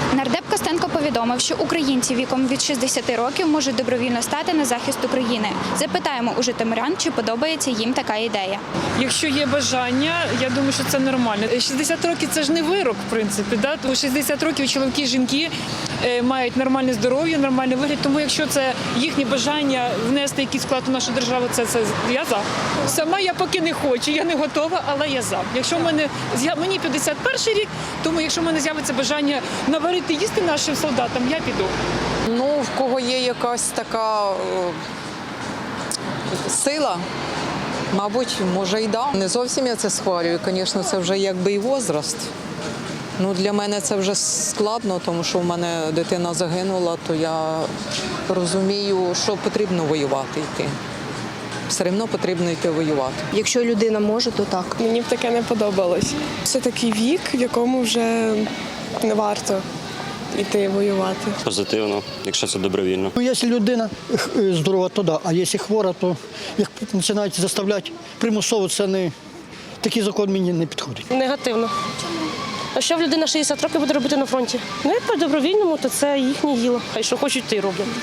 Нардеп Костенко повідомив, що українці віком від 60 років можуть добровільно стати на захист України. Запитаємо у житомирян, чи подобається їм така ідея. Якщо є бажання, я думаю, що це нормально. 60 років – це ж не вирок, в принципі. Да? У 60 років чоловіки і жінки мають нормальне здоров'я, нормальний вигляд. Тому якщо це їхнє бажання внести якийсь вклад у нашу державу, це я за. Сама я поки не хочу, я не готова, але я за. Якщо мені 51 рік, тому якщо в мене з'явиться бажання наварити їсти нашим солдатам, я піду. Ну, в кого є якась така сила, мабуть, може і да. Не зовсім я це схвалюю, звісно, це вже якби і возраст. Ну, для мене це вже складно, тому що в мене дитина загинула, то я розумію, що потрібно воювати йти. Все одно потрібно йти воювати. Якщо людина може, то так. Мені б таке не подобалось. Це такий вік, в якому вже не варто йти воювати. Позитивно, якщо це добровільно. Ну, якщо людина здорова, то да. А якщо хвора, то як починають заставляти примусово, це не такий закон мені не підходить. Негативно. А що в людина 60 років буде робити на фронті? Ну, як по добровільному, то це їхнє діло. Хай що хочуть, то й роблять.